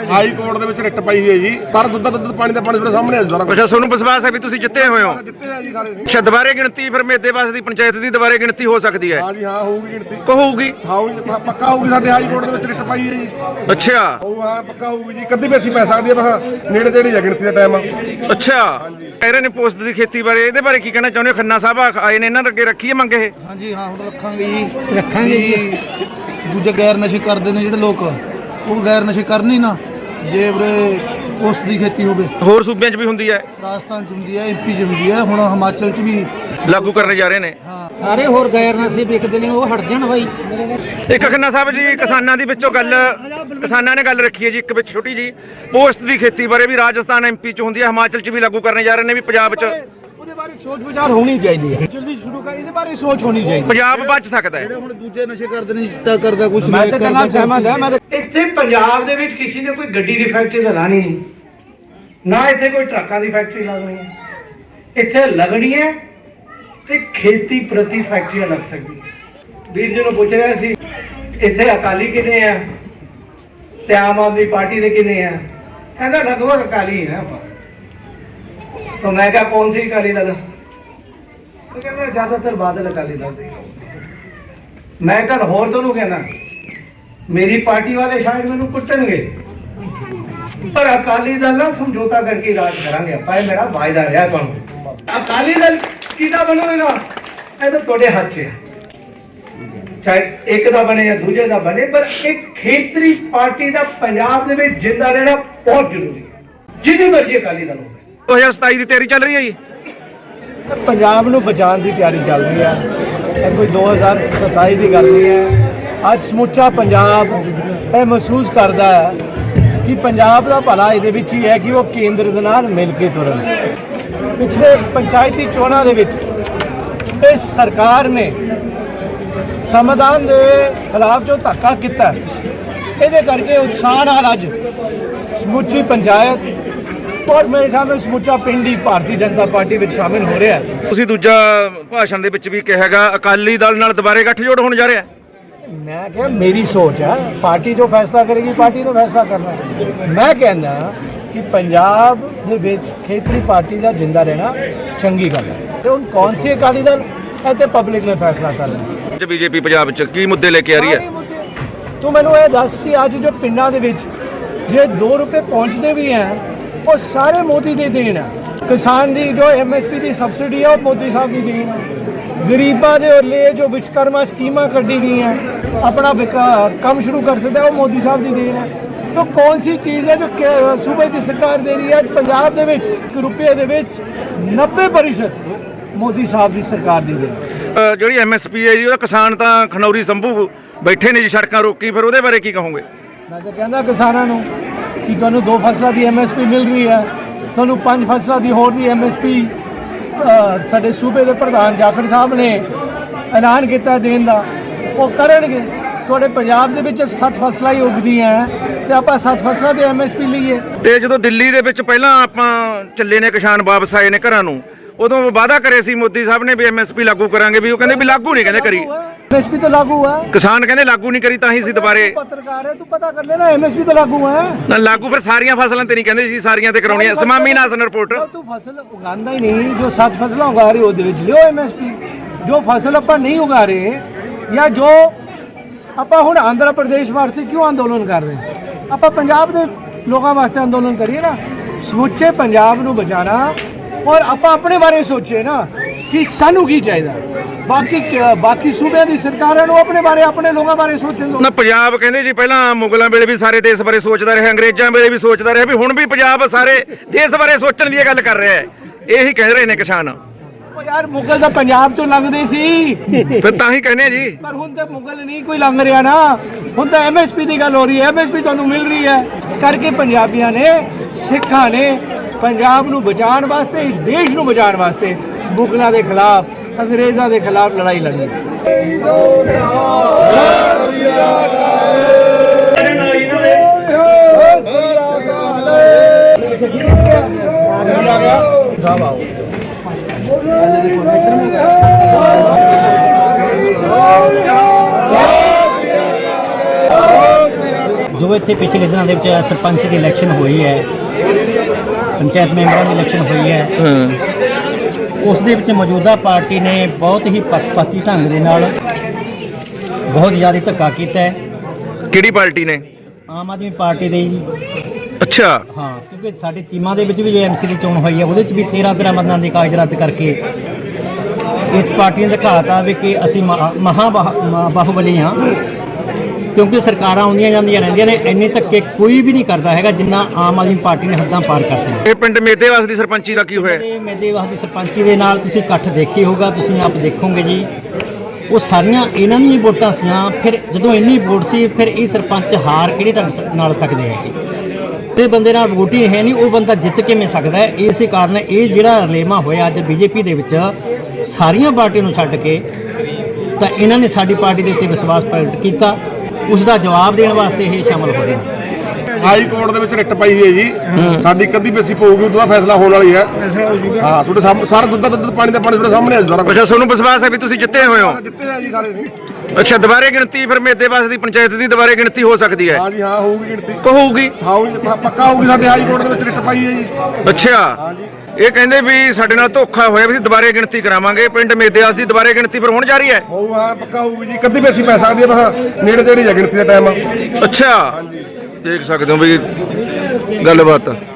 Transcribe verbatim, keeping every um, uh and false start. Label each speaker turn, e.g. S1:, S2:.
S1: High court ਦੇ ਵਿੱਚ writ ਪਾਈ ਹੋਈ ਹੈ ਜੀ। ਪਰ ਦੁੱਧ ਦਾ ਦੁੱਧ ਪਾਣੀ ਦਾ ਪਾਣੀ ਤੁਹਾਡੇ ਸਾਹਮਣੇ ਆ ਸਾਰਾ।
S2: ਅੱਛਾ, ਤੁਹਾਨੂੰ ਵਿਸ਼ਵਾਸ ਹੈ ਵੀ ਤੁਸੀਂ ਜਿੱਤੇ ਹੋਏ ਹੋ?
S1: ਜਿੱਤੇ ਆ ਜੀ ਸਾਰੇ।
S2: ਅੱਛਾ, ਦੁਬਾਰੇ ਗਿਣਤੀ ਫਿਰ ਮੇਦੇਵਾਸ ਦੀ ਪੰਚਾਇਤ ਦੀ ਦੁਬਾਰੇ ਗਿਣਤੀ ਹੋ ਸਕਦੀ ਹੈ?
S1: ਹਾਂ ਜੀ, ਹਾਂ ਹੋਊਗੀ ਗਿਣਤੀ।
S2: ਕਹੂਗੀ
S1: ਹਾਂ ਪੱਕਾ ਹੋਊਗੀ, ਸਾਡੇ ਹਾਈ ਕੋਰਟ ਦੇ ਵਿੱਚ ਰਿਟ ਪਾਈ ਹੈ ਜੀ।
S2: ਅੱਛਾ,
S1: ਉਹ ਹਾਂ ਪੱਕਾ ਹੋਊਗੀ ਜੀ। ਕਦੀ ਵੀ ਅਸੀਂ ਪੈ ਸਕਦੀ ਹੈ, ਬਸ ਨੇੜੇ ਤੇੜੇ ਹੀ ਆ ਗਿਣਤੀ ਦਾ ਟਾਈਮ।
S2: ਅੱਛਾ, ਕਹਿ ਰਹੇ ਨੇ ਪੋਸਟ ਦੀ ਖੇਤੀ ਬਾਰੇ, ਇਹਦੇ ਬਾਰੇ ਕੀ ਕਹਿਣਾ ਚਾਹੁੰਦੇ ਹੋ? ਖੰਨਾ ਸਾਹਿਬ ਆਏ ਨੇ, ਇਹਨਾਂ ਦੇ ਅੱਗੇ ਰੱਖੀਏ ਮੰਗ ਇਹ?
S3: ਹਾਂਜੀ ਹਾਂ, ਹੁਣ ਰੱਖਾਂਗੇ ਜੀ, ਰੱਖਾਂਗੇ ਜੀ। ਦੂਜੇ ਗੈਰ ਨਸ਼ੇ ਕਰਦੇ ਨੇ ਜਿਹੜੇ ਲੋਕ, ਉਹ ਗੈਰ ਨਸ਼ੇ ਕਰਨ ਹੀ ਨਾ। ਜੇ ਵੀਰੇ ਪੋਸਟ ਦੀ ਖੇਤੀ ਹੋਵੇ,
S2: ਹੋਰ ਸੂਬਿਆਂ 'ਚ ਵੀ ਹੁੰਦੀ ਹੈ,
S3: ਰਾਜਸਥਾਨ 'ਚ ਹੁੰਦੀ ਹੈ, ਐਮਪੀ 'ਚ ਹੁੰਦੀ ਹੈ, ਹੁਣ ਹਿਮਾਚਲ 'ਚ ਵੀ
S2: ਲਾਗੂ ਕਰਨ ਜਾ ਰਹੇ ਨੇ।
S3: ਹਾਂ, ਸਾਰੇ ਹੋਰ ਗੈਰ ਨਸ਼ੇ ਵਿਕਦੇ ਨੇ, ਉਹ ਹਟ ਜਾਣ ਬਾਈ।
S2: ਇੱਕ ਖੰਨਾ ਸਾਹਿਬ ਜੀ, ਕਿਸਾਨਾਂ ਦੀ ਵਿੱਚੋਂ ਗੱਲ, ਕਿਸਾਨਾਂ ਨੇ ਗੱਲ ਰੱਖੀ ਹੈ ਜੀ ਇੱਕ ਵਿੱਚ ਛੋਟੀ ਜੀ, ਪੋਸਟ ਦੀ ਖੇਤੀ ਬਾਰੇ ਵੀ ਰਾਜਸਥਾਨ ਐਮਪੀ 'ਚ ਹੁੰਦੀ ਹੈ, ਹਿਮਾਚਲ 'ਚ ਵੀ ਲਾਗੂ ਕਰਨ ਜਾ ਰਹੇ ਨੇ, ਵੀ ਪੰਜਾਬ 'ਚ
S3: ਉਹਦੇ ਬਾਰੇ ਸੋਚ ਵਿਚਾਰ ਹੋਣੀ ਚਾਹੀਦੀ ਹੈ। ਜਲਦੀ ਸ਼ੁਰੂ ਕਰ, ਇਹਦੇ ਬਾਰੇ ਸੋਚ ਹੋਣੀ ਚਾਹੀਦੀ।
S2: ਪੰਜਾਬ ਬਚ ਸਕਦਾ ਹੈ।
S3: ਜਿਹੜੇ ਹੁਣ ਦੂਜੇ ਨਸ਼ੇ ਕਰਦੇ ਨੇ, ਚਿੱਟਾ ਕਰਦਾ ਕੁਝ,
S4: ਮੈਂ ਤਾਂ ਨਾਲ ਸਹਿਮਤ ਹਾਂ। ਮੈਂ ਇੱਥੇ ਪੰਜਾਬ ਦੇ ਵਿੱਚ ਕਿਸੇ ਨੇ ਕੋਈ ਗੱਡੀ ਦੀ ਫੈਕਟਰੀ ਤਾਂ ਲਾਣੀ ਨਹੀਂ, ਨਾ ਇੱਥੇ ਕੋਈ ਟਰੱਕਾਂ ਦੀ ਫੈਕਟਰੀ ਲੱਗਣੀ ਹੈ। ਇੱਥੇ ਲੱਗਣੀ ਹੈ ਤੇ ਖੇਤੀ ਪ੍ਰਤੀ ਫੈਕਟਰੀਆਂ ਲੱਗ ਸਕਦੀਆਂ। ਵੀਰ ਜੀ ਨੂੰ ਪੁੱਛ ਰਿਹਾ ਸੀ ਇੱਥੇ ਅਕਾਲੀ ਕਿੰਨੇ ਆ ਤੇ ਆਮ ਆਦਮੀ ਪਾਰਟੀ ਦੇ ਕਿੰਨੇ ਆ? ਕਹਿੰਦਾ ਲਗਭਗ ਅਕਾਲੀ ਹੀ ਨਾ ਆਪਾਂ। तो मैं क्या कौन सी अकाली दल? तो कहता ज्यादातर बादल अकाली दल दे। मैं कल होर दोनों कहना मेरी पार्टी वाले शायद मैनू कुटणगे, पर अकाली दल ना समझौता करके राज करांगे। आप मेरा वायदा रहा तुहानू। अकाली दल किदा बनोगा ये तो तुहाडे हाथ च है, चाहे एक दा बने या दूजे दा बने, पर एक खेतरी पार्टी दा पंजाब दे विच जिंदा रहना बहुत जरूरी है, जिहदी मर्जी अकाली दल हो।
S2: दो हज़ार सताई ਦੀ ਤਿਆਰੀ ਚੱਲ ਰਹੀ ਹੈ ਜੀ।
S4: ਪੰਜਾਬ ਨੂੰ ਬਚਾਉਣ ਦੀ ਤਿਆਰੀ ਚੱਲ ਰਹੀ ਹੈ, ਇਹ ਕੋਈ ਦੋ ਹਜ਼ਾਰ ਸਤਾਈ ਦੀ ਗੱਲ ਨਹੀਂ ਹੈ। ਅੱਜ ਸਮੁੱਚਾ ਪੰਜਾਬ ਇਹ ਮਹਿਸੂਸ ਕਰਦਾ ਹੈ ਕਿ ਪੰਜਾਬ ਦਾ ਭਲਾ ਇਹਦੇ ਵਿੱਚ ਹੀ ਹੈ ਕਿ ਉਹ ਕੇਂਦਰ ਦੇ ਨਾਲ ਮਿਲ ਕੇ ਤੁਰਨ। ਪਿਛਲੇ ਪੰਚਾਇਤੀ ਚੋਣਾਂ ਦੇ ਵਿੱਚ ਇਸ ਸਰਕਾਰ ਨੇ ਸੰਵਿਧਾਨ ਦੇ ਖਿਲਾਫ ਜੋ ਧੱਕਾ ਕੀਤਾ, ਇਹਦੇ ਕਰਕੇ ਉਤਸ਼ਾਹ ਨਾਲ ਅੱਜ ਸਮੁੱਚੀ ਪੰਚਾਇਤ और मेरे ख्याल में समूचा पिंड ही भारतीय जनता पार्टी में शामिल हो रहा है।
S2: ਤੁਸੀਂ ਦੂਜਾ ਭਾਸ਼ਣ ਦੇ ਵਿੱਚ ਵੀ ਕਿਹਾਗਾ ਅਕਾਲੀ ਦਲ ਨਾਲ ਦੁਬਾਰੇ ਗੱਠਜੋੜ ਹੋਣ ਜਾ ਰਿਹਾ ਹੈ।
S4: मैं क्या, मेरी सोच है, पार्टी जो फैसला करेगी पार्टी तो फैसला करना है। मैं कहना कि पंजाब ਦੇ ਵਿੱਚ ਖੇਤਰੀ ਪਾਰਟੀ ਦਾ ਜਿੰਦਾ ਰਹਿਣਾ ਚੰਗੀ ਗੱਲ ਹੈ, ਤੇ ਹੁਣ ਕੌਣ ਸੀ ਅਕਾਲੀ ਦਲ ਇਹ ਤੇ ਪਬਲਿਕ ਨੇ ਫੈਸਲਾ ਕਰਨਾ।
S2: ਜੇ ਬੀਜੇਪੀ ਪੰਜਾਬ 'ਚ ਕੀ ਮੁੱਦੇ ਲੈ ਕੇ ਆ ਰਹੀ ਹੈ?
S4: ਤੂੰ ਮੈਨੂੰ ਇਹ ਦੱਸ ਕਿ ਅੱਜ ਜੋ ਪਿੰਡਾਂ ਦੇ ਵਿੱਚ ਜੇ ਦੋ ਰੁਪਏ ਪਹੁੰਚਦੇ ਵੀ ਹੈ, ਉਹ ਸਾਰੇ ਮੋਦੀ ਦੀ ਦੇਣ ਹੈ। ਕਿਸਾਨ ਦੀ ਜੋ ਐਮਐਸਪੀ ਦੀ ਸਬਸਿਡੀ ਹੈ, ਉਹ ਮੋਦੀ ਸਾਹਿਬ ਦੀ ਦੇਣ ਹੈ। ਗਰੀਬਾਂ ਦੇ ਲਈ ਜੋ ਵਿਸ਼ਕਰਮਾ ਸਕੀਮਾਂ ਕੱਢੀ ਗਈਆਂ, ਆਪਣਾ ਕੰਮ ਸ਼ੁਰੂ ਕਰ ਸਕਦਾ, ਉਹ ਮੋਦੀ ਸਾਹਿਬ ਦੀ ਦੇਣ ਹੈ। तो कौन सी चीज़ है जो सूबे की सरकार दे रही है? पंजाब दे विच एक रुपये दे विच नब्बे प्रतिशत मोदी साहब की सरकार दी है।
S2: ਜਿਹੜੀ ਐਮਐਸਪੀ ਹੈ ਜੀ, ਉਹਦਾ ਕਿਸਾਨ ਤਾਂ ਖਨੌਰੀ ਸੰਭੂ ਬੈਠੇ ਨੇ ਜੀ ਸੜਕਾਂ ਰੋਕੀ, ਫਿਰ ਉਹਦੇ ਬਾਰੇ ਕੀ ਕਹੋਗੇ?
S4: ਮੈਂ ਤਾਂ ਕਹਿੰਦਾ ਕਿਸਾਨਾਂ ਨੂੰ ਕਿ ਤੁਹਾਨੂੰ ਦੋ ਫਸਲਾਂ ਦੀ ਐਮਐਸਪੀ ਮਿਲ ਰਹੀ ਹੈ, ਤੁਹਾਨੂੰ ਪੰਜ ਫਸਲਾਂ ਦੀ ਹੋਰ ਦੀ ਐਮਐਸਪੀ ਸਾਡੇ ਸੂਬੇ ਦੇ ਪ੍ਰਧਾਨ ਜਾਖੜ ਸਾਹਿਬ ਨੇ ਐਲਾਨ ਕੀਤਾ ਦੇਣ ਦਾ, ਉਹ ਕਰਨਗੇ। ਤੁਹਾਡੇ ਪੰਜਾਬ ਦੇ ਵਿੱਚ ਸੱਤ ਫਸਲਾਂ ਹੀ ਉਗਦੀਆਂ ਤੇ ਆਪਾਂ ਸੱਤ ਫਸਲਾਂ ਤੇ ਐਮਐਸਪੀ ਲਈਏ।
S2: ਤੇ ਜਦੋਂ ਦਿੱਲੀ ਦੇ ਵਿੱਚ ਪਹਿਲਾਂ ਆਪਾਂ ਚੱਲੇ ਨੇ, ਕਿਸਾਨ ਵਾਪਸ ਆਏ ਨੇ ਘਰਾਂ ਨੂੰ, ਉਦੋਂ ਵਾਅਦਾ ਕਰੇ ਸੀ ਮੋਦੀ ਸਾਹਿਬ ਨੇ ਵੀ ਐਮਐਸਪੀ ਲਾਗੂ ਕਰਾਂਗੇ, ਵੀ ਉਹ ਕਹਿੰਦੇ ਵੀ ਲਾਗੂ ਨਹੀਂ ਕਹਿੰਦੇ ਕਰੀ।
S4: ਐਮਐਸਪੀ ਤਾਂ ਲਾਗੂ ਹੈ,
S2: ਕਿਸਾਨ ਕਹਿੰਦੇ ਲਾਗੂ ਨਹੀਂ ਕਰੀ, ਤਾਂ ਹੀ ਸੀ ਦੁਬਾਰੇ।
S4: ਪੱਤਰਕਾਰ ਹੈ ਤੂੰ, ਪਤਾ ਕਰ ਲੈਣਾ, ਐਮਐਸਪੀ ਤਾਂ ਲਾਗੂ ਹੈ
S2: ਨਾ। ਲਾਗੂ ਫਿਰ ਸਾਰੀਆਂ ਫਸਲਾਂ ਤੇ ਨਹੀਂ ਕਹਿੰਦੇ ਜੀ, ਸਾਰੀਆਂ ਤੇ ਕਰਾਉਣੀਆਂ। ਸਮਾਮੀ ਨਾਸਨ ਰਿਪੋਰਟ।
S4: ਤੂੰ ਫਸਲ ਉਗਾਉਂਦਾ ਹੀ ਨਹੀਂ, ਜੋ ਸੱਤ ਫਸਲਾਂ ਉਗਾ ਰਹੇ ਉਹਦੇ ਵਿੱਚ ਲਿਓ ਐਮਐਸਪੀ। ਜੋ ਫਸਲ ਆਪਾਂ ਨਹੀਂ ਉਗਾ ਰਹੇ, ਜਾਂ ਜੋ ਆਪਾਂ ਹੁਣ ਆਂਧਰਾ ਪ੍ਰਦੇਸ਼ ਵਾਸਤੇ ਕਿਉਂ ਅੰਦੋਲਨ ਕਰ ਰਹੇ, ਆਪਾਂ ਪੰਜਾਬ ਦੇ ਲੋਕਾਂ ਵਾਸਤੇ ਅੰਦੋਲਨ ਕਰੀਏ ਨਾ। ਸਮੁੱਚੇ ਪੰਜਾਬ ਨੂੰ ਬਚਾਉਣਾ, ਔਰ ਆਪਾਂ ਆਪਣੇ ਬਾਰੇ ਸੋਚੇ ਨਾ ਕਿ ਸਾਨੂੰ ਕੀ ਚਾਹੀਦਾ। ਬਾਕੀ ਬਾਕੀ ਸੂਬਿਆਂ ਦੀ ਸਰਕਾਰਾਂ ਨੂੰ ਆਪਣੇ ਬਾਰੇ, ਆਪਣੇ ਲੋਕਾਂ ਬਾਰੇ ਸੋਚਣ ਦਿਓ
S2: ਨਾ। ਪੰਜਾਬ ਕਹਿੰਦੇ ਜੀ ਪਹਿਲਾਂ ਮੁਗਲਾਂ ਵੇਲੇ ਵੀ ਸਾਰੇ ਦੇਸ਼ ਬਾਰੇ ਸੋਚਦਾ ਰਿਹਾ, ਅੰਗਰੇਜ਼ਾਂ ਵੇਲੇ ਵੀ ਸੋਚਦਾ ਰਿਹਾ, ਵੀ ਹੁਣ ਵੀ ਪੰਜਾਬ ਸਾਰੇ ਦੇਸ਼ ਬਾਰੇ ਸੋਚਣ ਦੀ ਗੱਲ ਕਰ ਰਿਹਾ ਹੈ। ਇਹੀ ਕਹਿ ਰਹੇ ਨੇ ਕਿਸਾਨ।
S4: ਯਾਰ ਮੁਗਲ ਤਾਂ ਪੰਜਾਬ ਚੋਂ ਲੰਘਦੇ ਸੀ,
S2: ਫਿਰ ਤਾਂ ਹੀ ਕਹਿੰਦੇ ਜੀ।
S4: ਪਰ ਹੁਣ ਤਾਂ ਮੁਗਲ ਨਹੀਂ ਕੋਈ ਲੰਘ ਰਿਹਾ ਨਾ, ਹੁਣ ਤਾਂ ਐਮਐਸਪੀ ਦੀ ਗੱਲ ਹੋ ਰਹੀ ਹੈ। ਐਮਐਸਪੀ ਤੁਹਾਨੂੰ ਮਿਲ ਰਹੀ ਹੈ ਕਰਕੇ ਪੰਜਾਬੀਆਂ ਨੇ, ਸਿੱਖਾਂ ਨੇ ਪੰਜਾਬ ਨੂੰ ਬਚਾਉਣ ਵਾਸਤੇ, ਇਸ ਦੇਸ਼ ਨੂੰ ਬਚਾਉਣ ਵਾਸਤੇ ਮੁਗਲਾਂ ਦੇ ਖਿਲਾਫ, ਅੰਗਰੇਜ਼ਾਂ ਦੇ ਖਿਲਾਫ ਲੜਾਈ ਲੜੀ।
S5: ਜੋ ਇੱਥੇ ਪਿਛਲੇ ਦਿਨਾਂ ਦੇ ਵਿੱਚ ਸਰਪੰਚ ਦੀ ਇਲੈਕਸ਼ਨ ਹੋਈ ਹੈ, ਪੰਚਾਇਤ ਮੈਂਬਰਾਂ ਦੀ ਇਲੈਕਸ਼ਨ ਹੋਈ ਹੈ, ਉਸ ਦੇ ਵਿੱਚ ਮੌਜੂਦਾ ਪਾਰਟੀ ਨੇ ਬਹੁਤ ਹੀ ਪੱਖਪਾਤੀ ਢੰਗ ਦੇ ਨਾਲ ਬਹੁਤ ਜ਼ਿਆਦਾ ਧੱਕਾ ਕੀਤਾ ਹੈ।
S2: ਕਿਹੜੀ ਪਾਰਟੀ ਨੇ?
S5: ਆਮ ਆਦਮੀ ਪਾਰਟੀ ਦੇ ਜੀ।
S2: ਅੱਛਾ।
S5: ਹਾਂ, ਕਿਉਂਕਿ ਸਾਡੇ ਚੀਮਾ ਦੇ ਵਿੱਚ ਵੀ ਜੇ ਐਮਸੀ ਦੀ ਚੋਣ ਹੋਈ ਹੈ, ਉਹਦੇ 'ਚ ਵੀ ਤੇਰਾਂ ਤੇਰਾਂ ਮਤਾਂ ਦੇ ਕਾਗਜ਼ ਰੱਦ ਕਰਕੇ ਇਸ ਪਾਰਟੀ ਨੇ ਦਿਖਾਤਾ ਵੀ ਕਿ ਅਸੀਂ ਮਹਾ ਮਹਾ ਬਾਹ- ਬਾਹੂਬਲੀ ਹਾਂ, ਕਿਉਂਕਿ ਸਰਕਾਰਾਂ ਆਉਂਦੀਆਂ ਜਾਂਦੀਆਂ ਰਹਿੰਦੀਆਂ ਨੇ, ਇੰਨੇ ਧੱਕੇ ਕੋਈ ਵੀ ਨਹੀਂ ਕਰਦਾ ਹੈਗਾ ਜਿੰਨਾ ਆਮ ਆਦਮੀ ਪਾਰਟੀ ਨੇ ਹੱਦਾਂ ਪਾਰ ਕਰਤੀਆਂ।
S2: ਇਹ ਪਿੰਡ ਮੇਦੇਵਾਸ ਦੀ ਸਰਪੰਚੀ ਦਾ ਕੀ ਹੋਇਆ?
S5: ਤੇ ਮੇਦੇਵਾਸ ਦੀ ਸਰਪੰਚੀ ਦੇ ਨਾਲ ਤੁਸੀਂ ਇਕੱਠ ਦੇਖੇ ਹੋਊਗਾ, ਤੁਸੀਂ ਆਪ ਦੇਖੋਗੇ ਜੀ, ਉਹ ਸਾਰੀਆਂ ਇਹਨਾਂ ਦੀਆਂ ਹੀ ਵੋਟਾਂ ਸੀਆਂ। ਫਿਰ ਜਦੋਂ ਇੰਨੀ ਵੋਟ ਸੀ, ਫਿਰ ਇਹ ਸਰਪੰਚ ਹਾਰ ਕਿਹੜੇ ਢੰਗ ਸ- ਨਾਲ ਸਕਦੇ ਹੈਗੇ? ਤੇ ਬੰਦੇ ਨਾਲ ਵੋਟ ਹੀ ਹੈ ਨਹੀਂ, ਉਹ ਬੰਦਾ ਜਿੱਤ ਕਿਵੇਂ ਸਕਦਾ ਹੈ? ਇਸੇ ਕਾਰਨ ਇਹ ਜਿਹੜਾ ਰਲੇਵਾਂ ਹੋਇਆ ਅੱਜ ਬੀਜੇਪੀ ਦੇ ਵਿੱਚ ਸਾਰੀਆਂ ਪਾਰਟੀਆਂ ਨੂੰ ਛੱਡ ਕੇ, ਤਾਂ ਇਹਨਾਂ ਨੇ ਸਾਡੀ ਪਾਰਟੀ ਦੇ ਉੱਤੇ ਵਿਸ਼ਵਾਸ ਪ੍ਰਗਟ ਕੀਤਾ, ਉਸ ਦਾ ਜਵਾਬ ਦੇਣ ਵਾਸਤੇ ਇਹ ਸ਼ਾਮਲ ਹੋ ਰਹੇ ਨੇ।
S1: ਹਾਈ ਕੋਰਟ ਦੇ ਵਿੱਚ ਰਿਟ ਪਈ ਹੋਈ ਹੈ ਜੀ, ਸਾਡੀ ਕਦੀ ਪੇਸ਼ੀ ਪਊਗੀ, ਉਦੋਂ ਬਾਅਦ ਫੈਸਲਾ ਹੋਣ ਵਾਲੀ ਹੈ। ਹਾਂ, ਤੁਹਾਡੇ ਸਾਹਮਣੇ ਸਾਰਾ ਦੁੱਧ ਦਾ ਦੁੱਧ, ਪਾਣੀ ਦਾ ਪਾਣੀ ਤੁਹਾਡੇ ਸਾਹਮਣੇ ਹੈ ਸਾਰਾ ਕੁਛ।
S2: ਅੱਛਾ, ਤੁਹਾਨੂੰ ਵਿਸ਼ਵਾਸ ਹੈ ਵੀ ਤੁਸੀਂ ਜਿੱਤੇ ਹੋਏ ਹੋ?
S1: ਜਿੱਤੇ ਆ ਜੀ ਸਾਰੇ ਅਸੀਂ।
S2: ਅੱਛਾ, ਦੁਬਾਰੇ ਗਿਣਤੀ ਫਿਰ ਮੇਦੇਵਾਸ ਦੀ ਪੰਚਾਇਤ ਦੀ ਦੁਬਾਰੇ ਗਿਣਤੀ ਹੋ ਸਕਦੀ ਹੈ?
S1: ਹਾਂ ਜੀ, ਹਾਂ ਹੋਊਗੀ ਗਿਣਤੀ।
S2: ਕਹੂਗੀ
S1: ਹਾਂ, ਪੱਕਾ ਹੋਊਗੀ। ਸਾਡੇ ਹਾਈ ਕੋਰਟ ਦੇ ਵਿੱਚ ਰਿਟ ਪਈ ਹੈ ਜੀ।
S2: ਅੱਛਾ, ਇਹ ਕਹਿੰਦੇ ਵੀ ਸਾਡੇ ਨਾਲ ਧੋਖਾ ਹੋਇਆ, ਵੀ ਅਸੀਂ ਦੁਬਾਰੇ ਗਿਣਤੀ ਕਰਾਵਾਂਗੇ। ਪਿੰਡ ਮੇਦੇਵਾਸ ਦੀ ਦੁਬਾਰੇ ਗਿਣਤੀ ਫਿਰ ਹੋਣ ਜਾ ਰਹੀ ਹੈ?
S1: ਹੋਊ, ਹਾਂ ਪੱਕਾ ਹੋਊਗੀ ਜੀ। ਕਦੀ ਪੇਸ਼ੀ ਪੈ ਸਕਦੀ ਹੈ, ਬਸ ਨੇੜੇ ਤੇੜੇ ਹੀ ਹੈ ਗਿਣਤੀ ਦਾ ਟਾਈਮ।
S2: ਅੱਛਾ, ਦੇਖ ਸਕਦੇ ਹੋ ਵੀ ਗੱਲਬਾਤ।